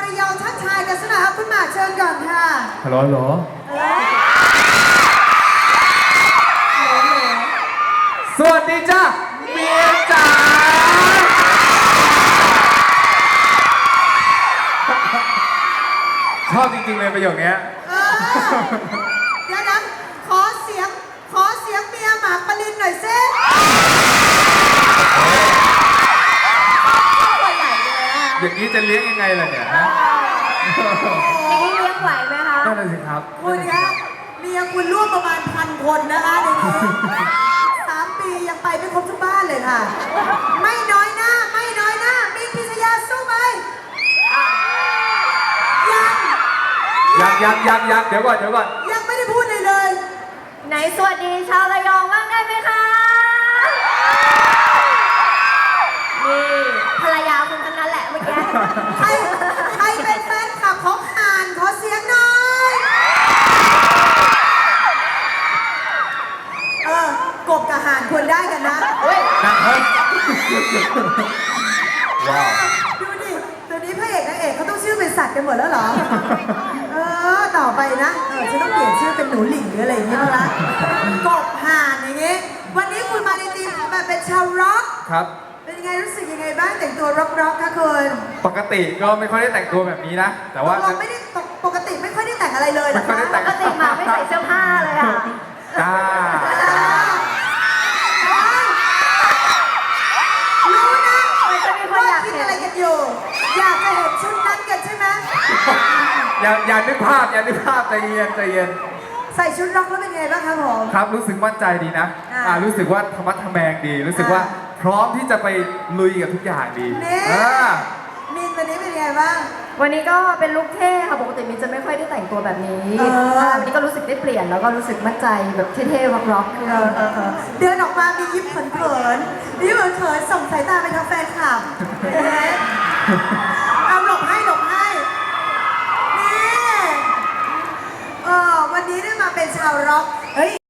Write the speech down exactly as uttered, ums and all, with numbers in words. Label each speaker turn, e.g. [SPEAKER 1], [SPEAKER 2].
[SPEAKER 1] ระยองทักทายกันสักหน่อยครับคุณหมากเชิญก่อนค่ะ
[SPEAKER 2] ฮัลโหลฮัลโหลสวัสดีจ้าเมียจ๋าชอบจริงๆเลยประโยคนี้
[SPEAKER 1] เดี๋ยวนะขอเสียงขอเสียงเมียหมากปรินหน่อยซิตัวใหญ่เลยอะ
[SPEAKER 2] อย่างนี้จะเลี้ยงยังไงล่ะเนี่ยฮะ
[SPEAKER 3] อย่างนี้เลี้ยงไหวไหมคะ
[SPEAKER 2] นั่นเลยสิครับ
[SPEAKER 1] คุณครับเมียคุณร่วมประมาณพันคนนะคะในนี้สามปียังไปไม่ครบทุกบ้านเลยค่ะไม่น้อยหน้าไม่น้อยหน้ามีพิชยาสู้ไหม
[SPEAKER 2] ยังยังยังยังเดี๋ยวก่อนเดี๋ยวก่อน
[SPEAKER 1] ยังไม่ได้พูดเลยเลย
[SPEAKER 3] ไหนสวัสดีชาวระยองบ้างได้ไหมคะนี่ภรรยาคุณทั้งนั้นแหละเมื่อกี้
[SPEAKER 1] ใครใครเป็นแฟนคลับของห่านขอเสียงหน่อยเออกบกับห่านควรได้กันนะ
[SPEAKER 2] เฮ้ยนะเฮ้ยว้าว
[SPEAKER 1] ดูดิตัวนี้พระเอกนางเอกเขาต้องชื่อเป็นสัตว์กันหมดแล้วเหรอเออต่อไปนะเออฉันต้องเปลี่ยนชื่อเป็นหนูหลิงหรืออะไรอย่างเงี้ยละกบห่านอย่างเงี้ยวันนี้คุณมาในทีมแบบเป็นชาวร็อก
[SPEAKER 2] ครับ
[SPEAKER 1] เป็นยังไงรู้สึกยังไงบ้างแต่งตัวร็อกร็อกคะคุณ
[SPEAKER 2] ปกติก็ไม่ค่อยได้แต่งตัวแบบนี้นะแต่ว่า
[SPEAKER 1] เราไม่ได้ปกติไม่ค่อยได้แต่งอะไรเลย
[SPEAKER 2] ไม่ค่อยได้แต่ง
[SPEAKER 3] ปกติมาไม่ใส่เสื้อผ้าเลยอ่ะ
[SPEAKER 2] จ้า
[SPEAKER 1] รู้นะ
[SPEAKER 3] มันจะมีคนอยาก
[SPEAKER 1] คิด
[SPEAKER 3] เห็น
[SPEAKER 1] อะไรกันอยู่อยากจะเห็นชุดนั้นกันใช่ไหม
[SPEAKER 2] อย่าอย่านึกภาพอย่านึกภาพใจเย็นใจเย็น
[SPEAKER 1] ใส่ชุดร็อกแล้วเป็นไงบ้างครับผม
[SPEAKER 2] ครับรู้สึกมั่นใจดีนะอ่ารู้สึกว่าธรรมะทแมงดีรู้สึกว่าพร้อมที่จะไปลุยกับทุกอย่างดี
[SPEAKER 1] อ่ามินวันนี้เป็นไงบ้าง
[SPEAKER 3] วันนี้ก็เป็นลุคเท่ค่ะปกติมินจะไม่ค่อยได้แต่งตัวแบบนี้วันนี้ก็รู้สึกได้เปลี่ยนแล้วก็รู้สึกมั่นใจแบบเท่ๆร็อก
[SPEAKER 1] ๆเดินออกมามียิ้มเขินๆยิ้มเขินๆส่งสายตาไปทางแฟนคลับเอาหลบให้หลบให้นี่เออวันนี้ได้มาเป็นชาวร็อกเฮ้ย